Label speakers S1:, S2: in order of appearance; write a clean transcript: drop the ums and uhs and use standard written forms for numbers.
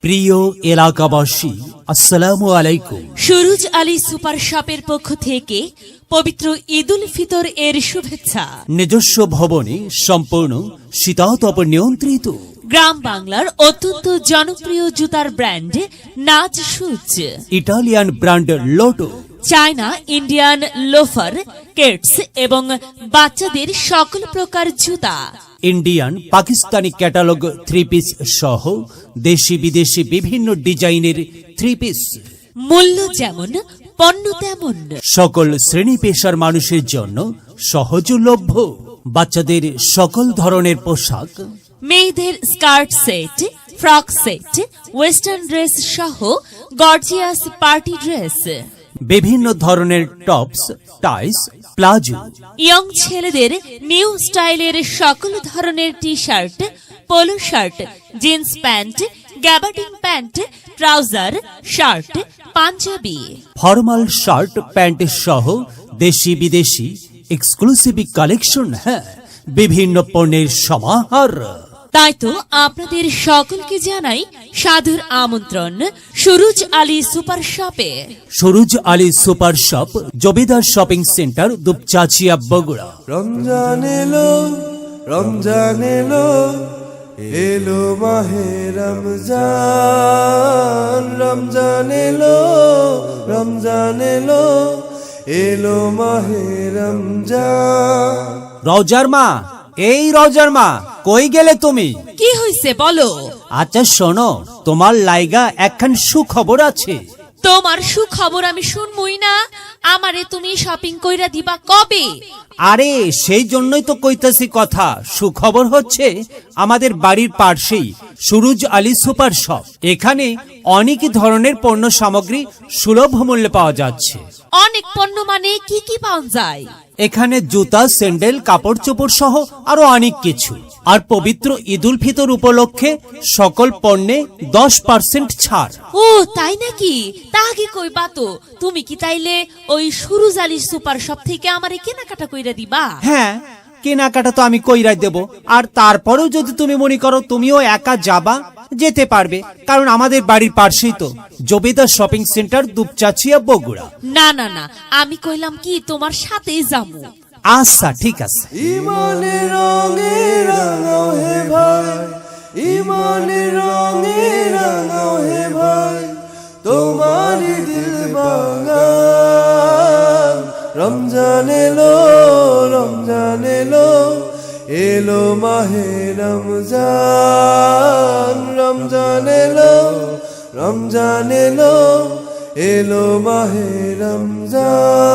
S1: প্রিয় এলাকাবাসী, আসসালামু আলাইকুম।
S2: সুরুজ আলী সুপার শপের পক্ষ থেকে পবিত্র ঈদুল ফিতর এর শুভেচ্ছা।
S1: নিজস্ব ভবনে সম্পূর্ণ শীতাতপ নিয়ন্ত্রিত
S2: গ্রাম বাংলার অত্যন্ত জনপ্রিয় জুতার brand Naz shoes,
S1: Italian brand Lotto,
S2: China Indian loafer, Keds এবং বাচ্চাদের সকল প্রকার জুতা,
S1: Indian Pakistani catalog three piece সহ দেশি বিদেশি বিভিন্ন ডিজাইনের থ্রি পিস,
S2: মূল্য যেমন পণ্য তেমন,
S1: সকল শ্রেণী পেশার মানুষের জন্য সহজলভ্য। বাচ্চাদের সকল ধরনের পোশাক,
S2: মেয়েদের skirt set, frock set, western dress সহ গর্জিয়াস পার্টি ড্রেস,
S1: বিভিন্ন ধরনের টপস, টাইস, প্লাজো,
S2: ইয়ং ছেলেদের নিউ স্টাইলের সকল ধরনের T shirt, polo shirt, jeans pant, gabardine pant, trouser, shirt, Punjabi,
S1: formal shirt pant সহ দেশি বিদেশি এক্সক্লুসিভ কালেকশন, বিভিন্ন পণ্যের সমাহার।
S2: তাই তো আপনাদের সকলকে জানাই সাদর আমন্ত্রণ সুরুজ আলী সুপার শপে।
S1: সুরুজ আলী সুপার শপ, জবেদার শপিং সেন্টার, দুপচাচিয়া, বগুড়া।
S3: রমজান এলো, রমজান এলো, এলো মাহে রমজান। রমজান এলো, রমজান এলো, এলো মাহে রমজান।
S1: রওজার মা, এই রওজার মা, কই গেলে তুমি?
S2: কি হইছে বলো?
S1: আচ্ছা শোনো, তোমার লাইগা একখান সুখবর আছে।
S2: তোমার সুখবর আমি শুনবই না। আমারে তুমি শপিং কইরা দিবা কবে?
S1: আরে সেই জন্যই তো কইতাছি কথা। সুখবর হচ্ছে আমাদের বাড়ির পাশেই সুরুজ আলী সুপার শপ। এখানে অনেক ধরনের পণ্য সামগ্রী সুলভ মূল্যে পাওয়া যাচ্ছে।
S2: অনেক পণ্য মানে কি কি পাওয়া যায়?
S1: এখানে জুতা, স্যান্ডেল, কাপড় চোপড় সহ আরো অনেক কিছু। আর পবিত্র ঈদুল ফিতর উপলক্ষে সকল পণ্যে 10% ছাড়।
S2: ও তাই নাকি? তা আগে কইবা তো। তুমি কি তাইলে ওই সুরুজ আলী সুপার শপ থেকে আমারে কেনাকাটা কইরা দিবা?
S1: হ্যাঁ, কেনাকাটা তো আমি কইরাই দেব। আর তারপরেও যদি তুমি মনে করো তুমিও একা যাবা, যেতে পারবে, কারণ আমাদের বাড়ির পাশেই তো জবেদার শপিং সেন্টার, দুপচাচিয়া, বগুড়া।
S2: না না না, আমি কইলাম কি তোমার সাথেই যাবো।
S1: আচ্ছা ঠিক আছে।
S3: ইমানের রঙে রাঙাও হে ভাই, ইমানের রঙে রাঙাও হে ভাই, তোমারই দিল বাগান। রমজান এলো, রমজান এলো, এলো মাহে রমজান। রমজান এলো, রমজান এলো, এলো মাহে রমজান।